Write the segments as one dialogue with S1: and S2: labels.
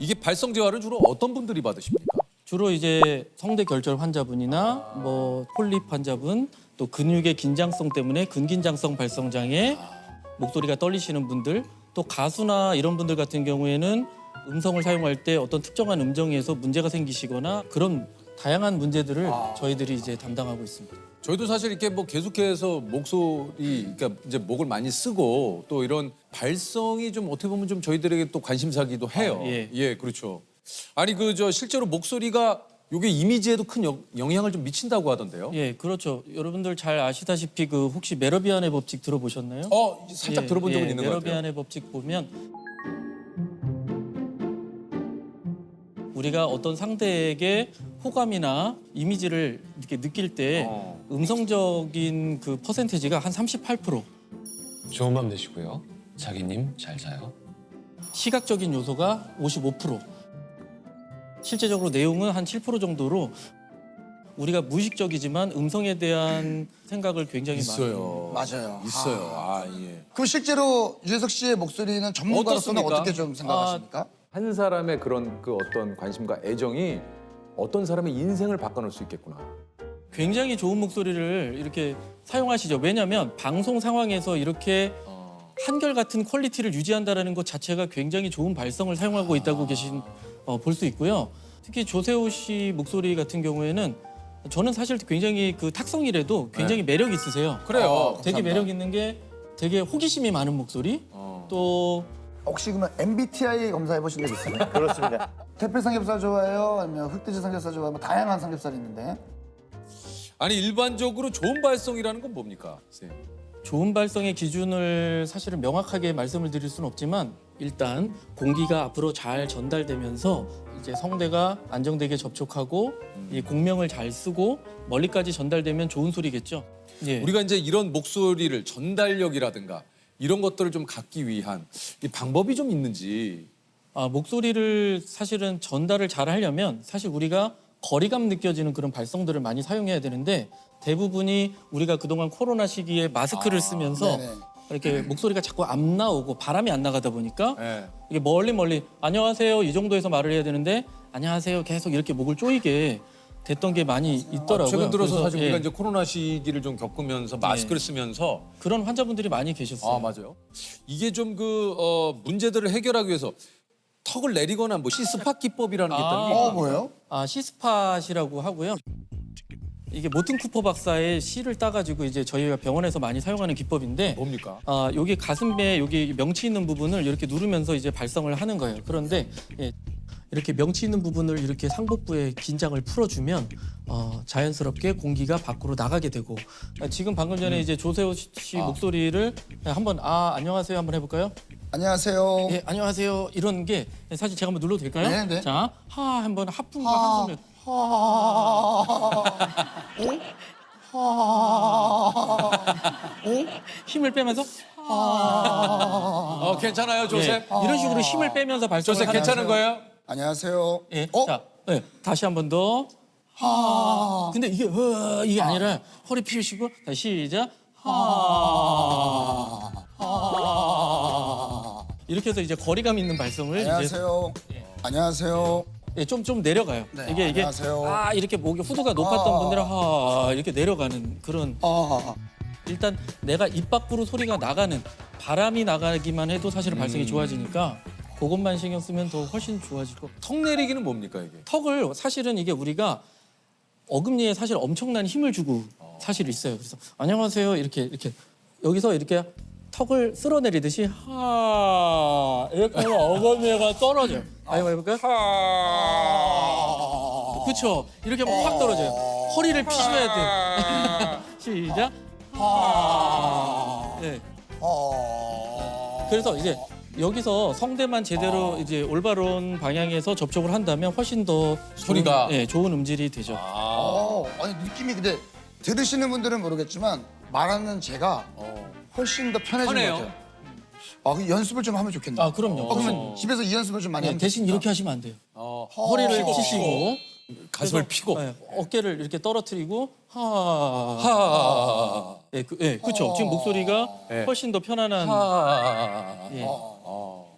S1: 이게 발성 재활은 주로 어떤 분들이 받으십니까?
S2: 주로 이제 성대 결절 환자분이나 뭐 폴립 환자분, 또 근육의 긴장성 때문에 근긴장성 발성 장애, 목소리가 떨리시는 분들, 또 가수나 이런 분들 같은 경우에는 음성을 사용할 때 어떤 특정한 음정에서 문제가 생기시거나 그런 다양한 문제들을 저희들이 이제 담당하고 있습니다.
S1: 저희도 사실 이렇게 뭐 계속해서 목소리, 그러니까 이제 목을 많이 쓰고 또 이런 발성이 좀 어떻게 보면 좀 저희들에게 또 관심사기도 해요.
S2: 예.
S1: 그렇죠. 아니 그 저 실제로 목소리가 요게 이미지에도 큰 영향을 좀 미친다고 하던데요.
S2: 예, 그렇죠. 여러분들 잘 아시다시피 그 혹시 메러비안의 법칙 들어보셨나요?
S1: 살짝 들어본 적은 있는 것 같아요.
S2: 메러비안의 법칙 보면 우리가 어떤 상대에게 호감이나 이미지를 이렇게 느낄 때 음성적인 그 퍼센테이지가 한 38%,
S3: 좋은 밤 되시고요. 자기님 잘 자요.
S2: 시각적인 요소가 55%, 실제적으로 내용은 한 7% 정도로 우리가 무의식적이지만 음성에 대한 생각을 굉장히
S1: 있어요.
S4: 맞아요.
S1: 있어요.
S4: 그럼 실제로 유재석 씨의 목소리는 전문가로서는
S1: 어떻습니까?
S4: 어떻게 좀 생각하십니까?
S5: 한 사람의 그런 그 어떤 관심과 애정이 어떤 사람의 인생을 바꿔놓을 수 있겠구나.
S2: 굉장히 좋은 목소리를 이렇게 사용하시죠. 왜냐하면 방송 상황에서 이렇게 한결같은 퀄리티를 유지한다는 것 자체가 굉장히 좋은 발성을 사용하고 있다고 볼 수 있고요. 특히 조세호 씨 목소리 같은 경우에는 저는 사실 굉장히 그 탁성이라도 굉장히 매력 있으세요.
S1: 그래요.
S2: 되게 매력 있는 게 되게 호기심이 많은 목소리. 또
S4: 혹시 그러면 MBTI 검사해 보신 적 있어요?
S6: 그렇습니다.
S4: 태필 삼겹살 좋아해요? 아니면 흑돼지 삼겹살 좋아해요? 뭐 다양한 삼겹살이 있는데.
S1: 아니 일반적으로 좋은 발성이라는 건 뭡니까, 선생님?
S2: 좋은 발성의 기준을 사실은 명확하게 말씀을 드릴 수는 없지만 일단 공기가 앞으로 잘 전달되면서 이제 성대가 안정되게 접촉하고 이 공명을 잘 쓰고 멀리까지 전달되면 좋은 소리겠죠. 예.
S1: 우리가 이제 이런 목소리를 전달력이라든가 이런 것들을 좀 갖기 위한 이 방법이 좀 있는지.
S2: 목소리를 사실은 전달을 잘 하려면 사실 우리가 거리감 느껴지는 그런 발성들을 많이 사용해야 되는데 대부분이 우리가 그동안 코로나 시기에 마스크를 쓰면서
S4: 네네.
S2: 이렇게 목소리가 자꾸 안 나오고 바람이 안 나가다 보니까
S1: 네.
S2: 이게 멀리 안녕하세요 이 정도에서 말을 해야 되는데 안녕하세요 계속 이렇게 목을 조이게 됐던 게 많이 있더라고요.
S1: 최근 들어서
S2: 그래서,
S1: 사실
S2: 예,
S1: 우리가 이제 코로나 시기를 좀 겪으면서 마스크를 쓰면서
S2: 그런 환자분들이 많이 계셨어요.
S1: 맞아요. 이게 좀 문제들을 해결하기 위해서 턱을 내리거나 뭐 시스팟 기법이라는 게 있다는 게 있거든요.
S4: 뭐예요?
S2: 시스팟이라고 하고요. 이게 모튼 쿠퍼 박사의 시를 따가지고 이제 저희가 병원에서 많이 사용하는 기법인데
S1: 뭡니까?
S2: 여기 가슴에 여기 명치 있는 부분을 이렇게 누르면서 이제 발성을 하는 거예요. 그런데 이렇게 명치 있는 부분을 이렇게 상복부의 긴장을 풀어주면 자연스럽게 공기가 밖으로 나가게 되고 지금 방금 전에 이제 조세호 씨 목소리를 한번 안녕하세요 한번 해볼까요?
S4: 안녕하세요.
S2: 예, 안녕하세요. 이런 게 사실 제가 한번 눌러도 될까요?
S4: 네, 네.
S2: 자, 한번 하품과 한숨을 힘을 빼면서
S1: 괜찮아요, 조셉?
S2: 이런 식으로 힘을 빼면서 발성을
S1: 조셉
S2: 하는
S1: 괜찮은 거예요?
S4: 안녕하세요.
S2: 예. 자, 다시 한 번 더. 근데 이게 아니라 허리 펴시고 다시 시작. 이렇게 해서 이제 거리감 있는 발성을
S4: 안녕하세요. 안녕하세요.
S2: 좀 내려가요.
S4: 네,
S2: 이게
S4: 안녕하세요.
S2: 이렇게 목이 후두가 높았던 분들은 이렇게 내려가는 그런. 일단 내가 입 밖으로 소리가 나가는 바람이 나가기만 해도 사실은 발성이 좋아지니까 그것만 신경 쓰면 더 훨씬 좋아질 거.
S1: 턱 내리기는 뭡니까 이게?
S2: 턱을 사실은 이게 우리가 어금니에 사실 엄청난 힘을 주고 사실 있어요. 그래서 안녕하세요 이렇게 여기서 이렇게 턱을 쓸어내리듯이 이렇게 하면 어금니가 떨어져요. 한번 해볼까요? 그렇죠. 이렇게 하면 확 떨어져요. 허리를 피셔야 돼요. 시작. 네. 그래서 이제 여기서 성대만 제대로 이제 올바른 방향에서 접촉을 한다면 훨씬 더
S1: 소리가?
S2: 좋은 음질이 되죠.
S4: 아니 느낌이 근데 들으시는 분들은 모르겠지만 말하는 제가 훨씬 더 편해진
S1: 편해요.
S4: 것 같아요. 그 연습을 좀 하면 좋겠네요.
S2: 그럼요.
S4: 그러면 집에서 이 연습을 좀 많이 하면
S2: 대신
S4: 좋겠다.
S2: 이렇게 하시면 안 돼요. 허리를 피시고
S1: 가슴을 피고.
S2: 어깨를 이렇게 떨어뜨리고
S1: 하.
S2: 그렇죠. 지금 목소리가 훨씬 더 편안한. 예.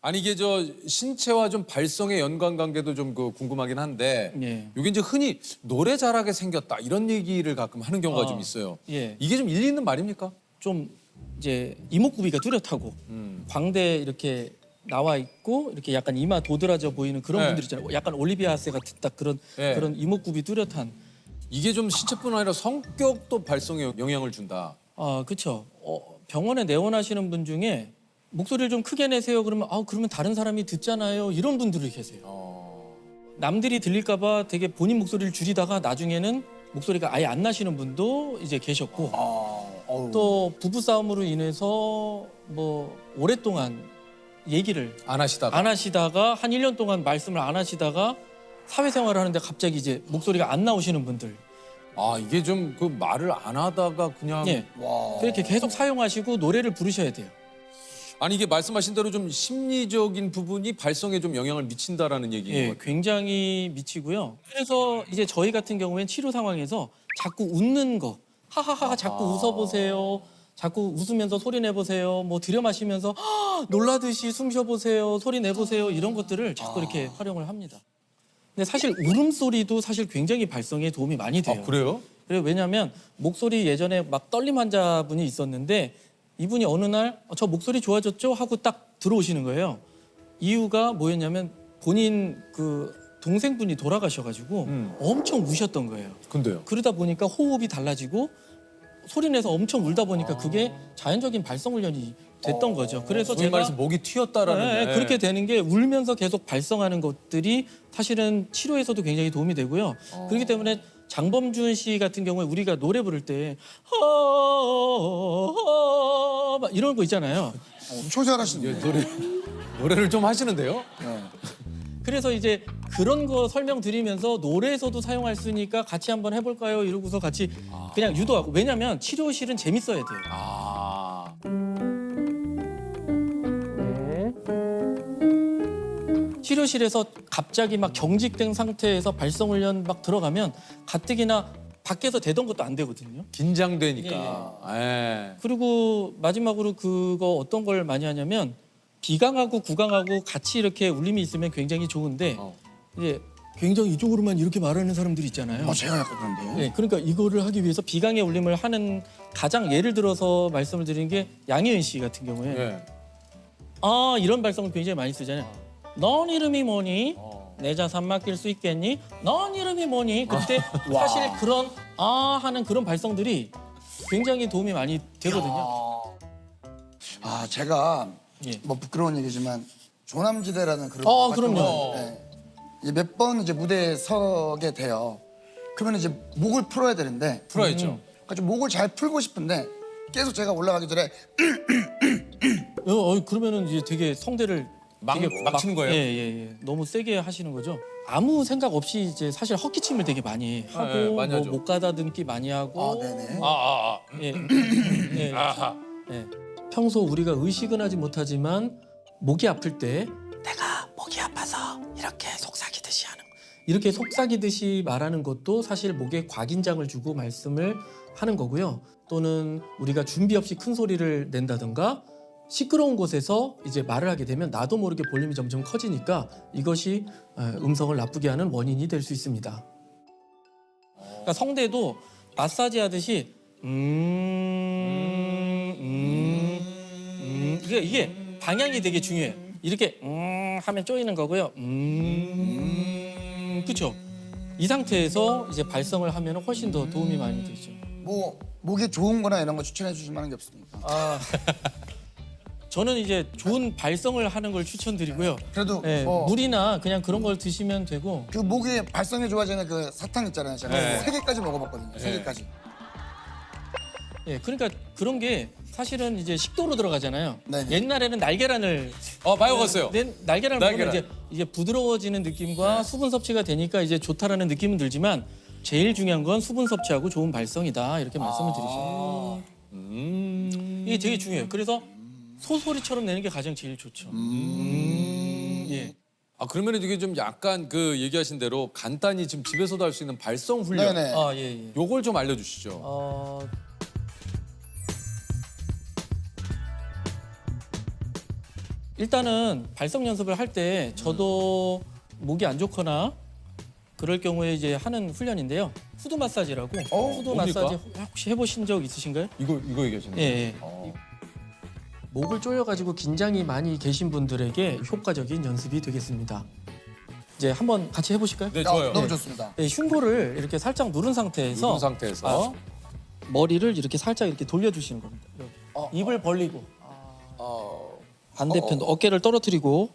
S1: 아니 이게 저 신체와 좀 발성의 연관관계도 좀 그 궁금하긴 한데
S2: 예.
S1: 이게 이제 흔히 노래 잘하게 생겼다 이런 얘기를 가끔 하는 경우가 좀 있어요.
S2: 예.
S1: 이게 좀 일리 있는 말입니까?
S2: 좀 이제 이목구비가 뚜렷하고 광대 이렇게 나와 있고 이렇게 약간 이마 도드라져 보이는 그런
S1: 네.
S2: 분들 있잖아요. 약간 올리비아 하세 같은 딱 그런
S1: 네.
S2: 그런 이목구비 뚜렷한.
S1: 이게 좀 신체뿐 아니라 성격도 발성에 영향을 준다.
S2: 아, 그렇죠. 병원에 내원하시는 분 중에 목소리를 좀 크게 내세요. 그러면 그러면 다른 사람이 듣잖아요. 이런 분들이 계세요. 남들이 들릴까봐 되게 본인 목소리를 줄이다가 나중에는 목소리가 아예 안 나시는 분도 이제 계셨고 또 부부 싸움으로 인해서 뭐 오랫동안 얘기를
S1: 안 하시다가.
S2: 안 하시다가 한 1년 동안 말씀을 안 하시다가 사회생활을 하는데 갑자기 이제 목소리가 안 나오시는 분들.
S1: 아 이게 좀 그 말을 안 하다가 그냥
S2: 예. 그렇게 계속 사용하시고 노래를 부르셔야 돼요.
S1: 아니 이게 말씀하신 대로 좀 심리적인 부분이 발성에 좀 영향을 미친다라는 얘기인 것
S2: 예,
S1: 같아요.
S2: 굉장히 미치고요. 그래서 이제 저희 같은 경우엔 치료 상황에서 자꾸 웃는 거, 하하하 자꾸 웃어보세요. 자꾸 웃으면서 소리 내보세요. 뭐 들여 마시면서 놀라듯이 숨 쉬어보세요. 소리 내보세요. 이런 것들을 자꾸 이렇게 활용을 합니다. 근데 사실 울음소리도 사실 굉장히 발성에 도움이 많이 돼요.
S1: 아 그래요?
S2: 그래요. 왜냐하면 목소리 예전에 막 떨림 환자분이 있었는데 이분이 어느 날 저 목소리 좋아졌죠? 하고 딱 들어오시는 거예요. 이유가 뭐였냐면 본인 그 동생분이 돌아가셔가지고 엄청 우셨던 거예요.
S1: 근데요.
S2: 그러다 보니까 호흡이 달라지고 소리 내서 엄청 울다 보니까 그게 자연적인 발성 훈련이 됐던 거죠. 그래서
S1: 소위
S2: 제가
S1: 말해서 목이 튀었다라는.
S2: 네,
S1: 게.
S2: 그렇게 되는 게 울면서 계속 발성하는 것들이 사실은 치료에서도 굉장히 도움이 되고요. 그렇기 때문에 장범준 씨 같은 경우에 우리가 노래 부를 때 막 이런 거 있잖아요.
S4: 엄청 잘하시는데.
S1: 노래를 좀 하시는데요?
S2: 그래서 이제 그런 거 설명드리면서 노래에서도 사용할 수 있으니까 같이 한번 해볼까요? 이러고서 같이 그냥 유도하고. 왜냐면 치료실은 재밌어야 돼요.
S1: 아.
S2: 치료실에서 갑자기 막 경직된 상태에서 발성 훈련 막 들어가면 가뜩이나 밖에서 되던 것도 안 되거든요.
S1: 긴장되니까. 예.
S2: 그리고 마지막으로 그거 어떤 걸 많이 하냐면 비강하고 구강하고 같이 이렇게 울림이 있으면 굉장히 좋은데 이제 굉장히 이쪽으로만 이렇게 말하는 사람들이 있잖아요.
S4: 제가 약간 그런데.
S2: 네, 그러니까 이거를 하기 위해서 비강의 울림을 하는 가장 예를 들어서 말씀을 드리는 게 양희은 씨 같은 경우에
S1: 예.
S2: 이런 발성을 굉장히 많이 쓰잖아요. 넌 이름이 뭐니? 내 자산 맡길 수 있겠니? 넌 이름이 뭐니? 그때 사실 그런 하는 그런 발성들이 굉장히 도움이 많이 되거든요.
S4: 제가
S2: 예.
S4: 뭐 부끄러운 얘기지만 조남지대라는 그룹
S2: 그럼요.
S4: 몇 번 이제 무대에 서게 돼요. 그러면 이제 목을 풀어야 되는데
S1: 풀어야죠.
S4: 그러니까 좀 목을 잘 풀고 싶은데 계속 제가 올라가기 전에
S2: 그러면은 이제 되게 성대를
S1: 막 치는 거예요?
S2: 예. 너무 세게 하시는 거죠. 아무 생각 없이 이제 사실 헛기침을 되게 많이 하고
S1: 예, 많이 하죠.
S2: 목 가다듬기 많이 하고
S4: 네네.
S2: 예. 예. 예. 평소 우리가 의식은 하지 못하지만 목이 아플 때 내가 목이 아파서 이렇게 속삭이듯이 하는 거. 이렇게 속삭이듯이 말하는 것도 사실 목에 과긴장을 주고 말씀을 하는 거고요. 또는 우리가 준비 없이 큰 소리를 낸다든가 시끄러운 곳에서 이제 말을 하게 되면 나도 모르게 볼륨이 점점 커지니까 이것이 음성을 나쁘게 하는 원인이 될 수 있습니다. 그러니까 성대도 마사지 하듯이 이게 방향이 되게 중요해요. 이렇게 하면 쪼이는 거고요. 그렇죠. 이 상태에서 이제 발성을 하면 훨씬 더 도움이 많이 되죠.
S4: 뭐 목이 좋은 거나 이런 거 추천해 주실 만한 게 없습니까?
S2: 저는 이제 좋은 발성을 하는 걸 추천드리고요.
S4: 그래도
S2: 예,
S4: 뭐
S2: 물이나 그냥 그런 걸 드시면 되고.
S4: 그 목이 발성이 좋아지는 그 사탕 있잖아요. 제가
S1: 네.
S4: 3개까지 먹어봤거든요. 3개까지.
S2: 예, 그러니까 그런 게 사실은 이제 식도로 들어가잖아요.
S4: 네네.
S2: 옛날에는 날계란을
S1: 많이 먹었어요.
S2: 날계란을 먹으면
S1: 날계란.
S2: 이제 부드러워지는 느낌과 수분 섭취가 되니까 이제 좋다라는 느낌은 들지만 제일 중요한 건 수분 섭취하고 좋은 발성이다 이렇게 말씀을 드리죠. 이게 되게 중요해요. 그래서 소소리처럼 내는 게 가장 제일 좋죠. 예.
S1: 그러면 이게 좀 약간 그 얘기하신 대로 간단히 지금 집에서도 할 수 있는 발성 훈련.
S4: 네네.
S2: 예.
S1: 요걸 좀 알려주시죠.
S2: 일단은 발성 연습을 할 때 저도 목이 안 좋거나 그럴 경우에 이제 하는 훈련인데요. 후드 마사지라고. 후드
S1: 뭡니까?
S2: 마사지 혹시 해보신 적 있으신가요?
S1: 이거 얘기하시는
S2: 예.
S1: 거예요?
S2: 예. 목을 조여가지고 긴장이 많이 계신 분들에게 효과적인 연습이 되겠습니다. 이제 한번 같이 해보실까요?
S1: 네, 좋아요.
S4: 너무 좋습니다.
S2: 네, 흉골을 이렇게 살짝 누른 상태에서
S1: 이런 상태에서
S2: 머리를 이렇게 살짝 이렇게 돌려주시는 겁니다. 이렇게. 입을 벌리고 반대편 어깨를 떨어뜨리고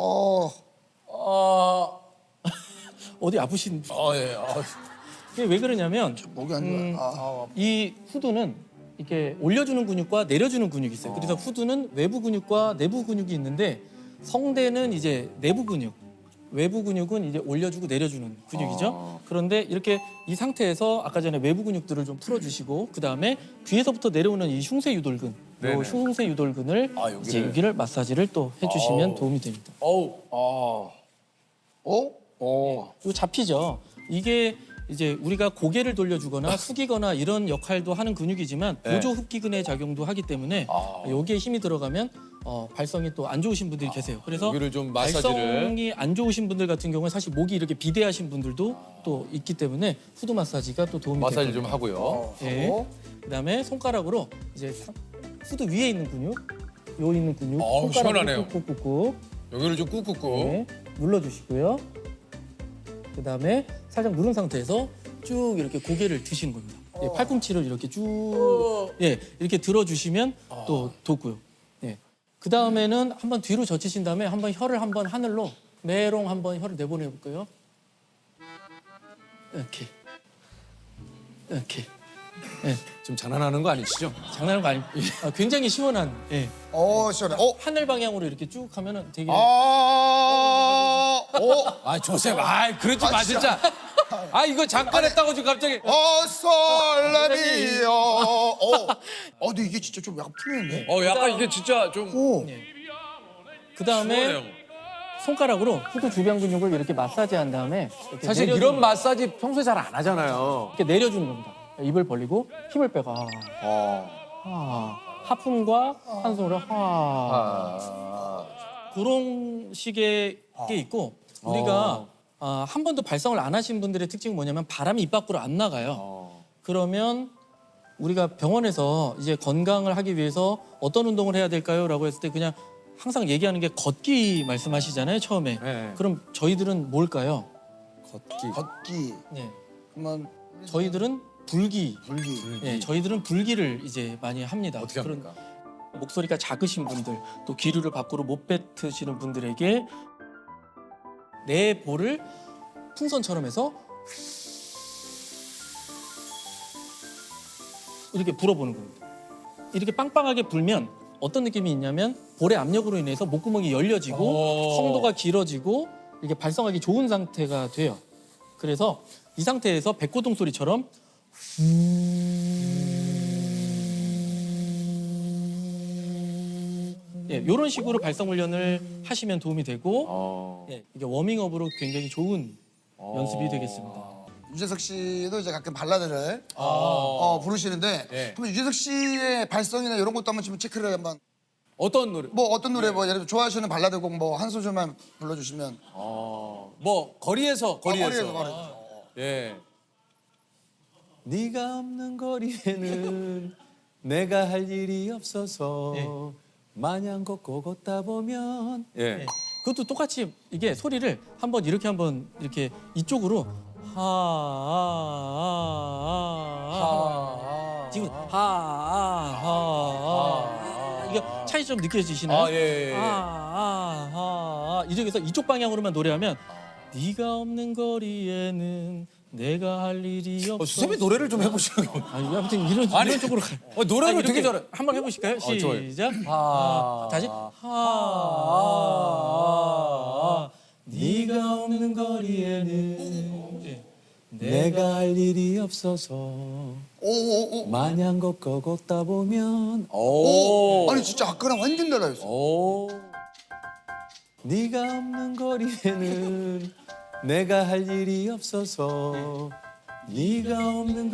S2: 어디 아프신?
S1: 예.
S2: 이게 왜 그러냐면
S4: 목이 안 좋아.
S2: 이 후두는 이렇게 올려주는 근육과 내려주는 근육이 있어요. 그래서 후두는 외부 근육과 내부 근육이 있는데 성대는 이제 내부 근육, 외부 근육은 이제 올려주고 내려주는 근육이죠. 그런데 이렇게 이 상태에서 아까 전에 외부 근육들을 좀 풀어주시고 그 다음에 뒤에서부터 내려오는 이 흉쇄 유돌근, 이
S1: 네네.
S2: 흉쇄 유돌근을
S1: 여기를.
S2: 이제 여기를 마사지를 또 해주시면 도움이 됩니다. 이거 잡히죠. 이게 이제 우리가 고개를 돌려주거나 숙이거나 이런 역할도 하는 근육이지만 보조 흡기근의 작용도 하기 때문에 여기에 힘이 들어가면 발성이 또 안 좋으신 분들이 계세요. 그래서
S1: 여기를 좀 마사지를.
S2: 발성이 안 좋으신 분들 같은 경우는 사실 목이 이렇게 비대하신 분들도 또 있기 때문에 후드 마사지가 또 도움이
S1: 마사지
S2: 됩니다.
S1: 좀 하고요.
S2: 예. 그다음에 손가락으로 이제 후드 위에 있는 근육, 요 있는 근육
S1: 시원하네요.
S2: 꾹꾹꾹꾹
S1: 여기를 좀 꾹꾹꾹.
S2: 네, 눌러주시고요. 그다음에 살짝 누른 상태에서 쭉 이렇게 고개를 드시는 겁니다. 예, 팔꿈치를 이렇게 쭉 이렇게 들어주시면 또 돋고요. 예. 그 다음에는 한번 뒤로 젖히신 다음에 한번 혀를 한번 하늘로 메롱 한번 혀를 내보내 볼까요? 이렇게. 예.
S1: 지금 장난하는 거 아니시죠?
S2: 장난하는 거 아니고 굉장히 시원한. 예.
S4: 시원해.
S2: 하늘 방향으로 이렇게 쭉 하면은 되게
S1: 조셉, 그러지 마 진짜. 이거 잠깐 했다고 지금 갑자기.
S4: 설레미요. 근데 이게 진짜 좀 약간 풀리는데?
S1: 약간 이게 진짜 좀.
S2: 그 다음에
S1: 시원해요.
S2: 손가락으로 후두 주변 근육을 이렇게 마사지한 다음에 이렇게
S1: 사실
S2: 내려주는
S1: 이런 마사지 평소에 잘 안 하잖아요.
S2: 이렇게 내려주는 겁니다. 입을 벌리고 힘을 빼고 하품과 한 손으로 그런 식의 게 있고 우리가 한 번도 발성을 안 하신 분들의 특징은 뭐냐면 바람이 입 밖으로 안 나가요. 그러면 우리가 병원에서 이제 건강을 하기 위해서 어떤 운동을 해야 될까요? 라고 했을 때 그냥 항상 얘기하는 게 걷기 말씀하시잖아요, 처음에.
S1: 네.
S2: 그럼 저희들은 뭘까요?
S4: 걷기.
S2: 네.
S4: 그러면
S2: 저희들은 불기.
S4: 불기.
S2: 예, 저희들은 불기를 이제 많이 합니다.
S1: 어떻게 합니까?
S2: 목소리가 작으신 분들, 또 기류를 밖으로 못 뱉으시는 분들에게 내 볼을 풍선처럼 해서 이렇게 불어보는 겁니다. 이렇게 빵빵하게 불면 어떤 느낌이 있냐면 볼의 압력으로 인해서 목구멍이 열려지고 성도가 길어지고 이게 발성하기 좋은 상태가 돼요. 그래서 이 상태에서 백고동 소리처럼 이런 식으로 발성 훈련을 하시면 도움이 되고 이게 워밍업으로 굉장히 좋은 연습이 되겠습니다.
S4: 유재석 씨도 이제 가끔 발라드를 부르시는데
S1: 네.
S4: 한번 유재석 씨의 발성이나 이런 것도 한번 좀 체크를 한번
S1: 어떤 노래?
S4: 뭐 어떤 노래 뭐 예를 들어 좋아하시는 발라드곡 뭐 한 소절만 불러주시면
S1: 뭐 거리에서.
S4: 거리에서.
S1: 예. 네가 없는 거리에는 내가 할 일이 없어서 마냥 걷고 걷다 보면.
S2: 네. 그것도 똑같이 이게 소리를 한번 이렇게 한번 이렇게 이쪽으로 지금 이게 차이 좀 느껴지시나요?
S1: 예.
S2: 이쪽에서 이쪽 방향으로만 노래하면 네가 없는 거리에는 내가 할 일이 없어.
S1: 수세미 노래를 좀 해보시는 거.
S2: 아무튼 이런 쪽으로 가요.
S1: 노래를
S2: 이렇게
S1: 되게 잘해.
S2: 한번 해보실까요?
S1: 좋아요.
S2: 시작. 다시. 네가 없는 거리에는
S1: 내가 할 일이 없어서 마냥 걷고 걷다 보면.
S4: 아니 진짜 아까랑 완전 달라졌어.
S1: 네가 없는 거리에는 내가 할 일이 없어서 네가 없는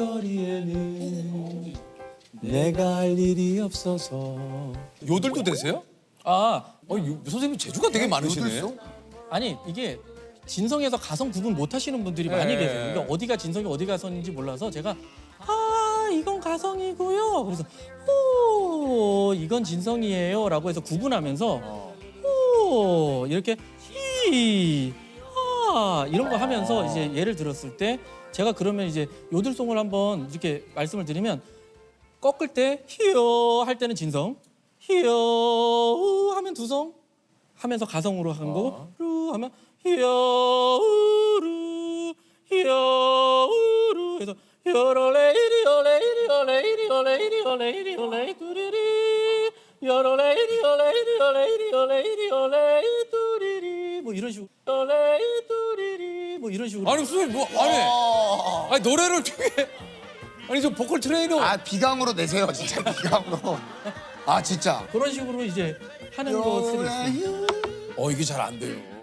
S1: 거리에는 내가 할 일이 없어서. 요들도 되세요? 선생님 재주가 되게 많으시네.
S4: 요들소?
S2: 아니 이게 진성에서 가성 구분 못 하시는 분들이 많이
S1: 네.
S2: 계세요. 그러니까 어디가 진성이 어디가 가성인지 몰라서 제가 이건 가성이고요. 그래서 오 이건 진성이에요라고 해서 구분하면서 오 이렇게 이런 거 하면서 이제 예를 들었을 때 제가 그러면 이제 요들송을 한번 이렇게 말씀을 드리면 꺾을 때 히어 할 때는 진성, 히어 우 하면 두성 하면서 가성으로 한 거고 루 하면 히어 우루 히어 우루 해서 요로레이리 요레이리 요레이리 요레이리 요레이리 요레이 뚜리리 요로레이리 요레이리 요레이리 요레이리 요레이 뚜리리 뭐 이런 식으로 요레이 뚜리리 뭐 이런 식으로
S1: 아니 선생님 뭐 아니 노래를 되게 아니 저 보컬 트레이너
S4: 아 비강으로 내세요 진짜 비강으로. 아 진짜.
S2: 그런 식으로 이제 하는 것들이 있어요.
S1: 이게 잘 안 돼요.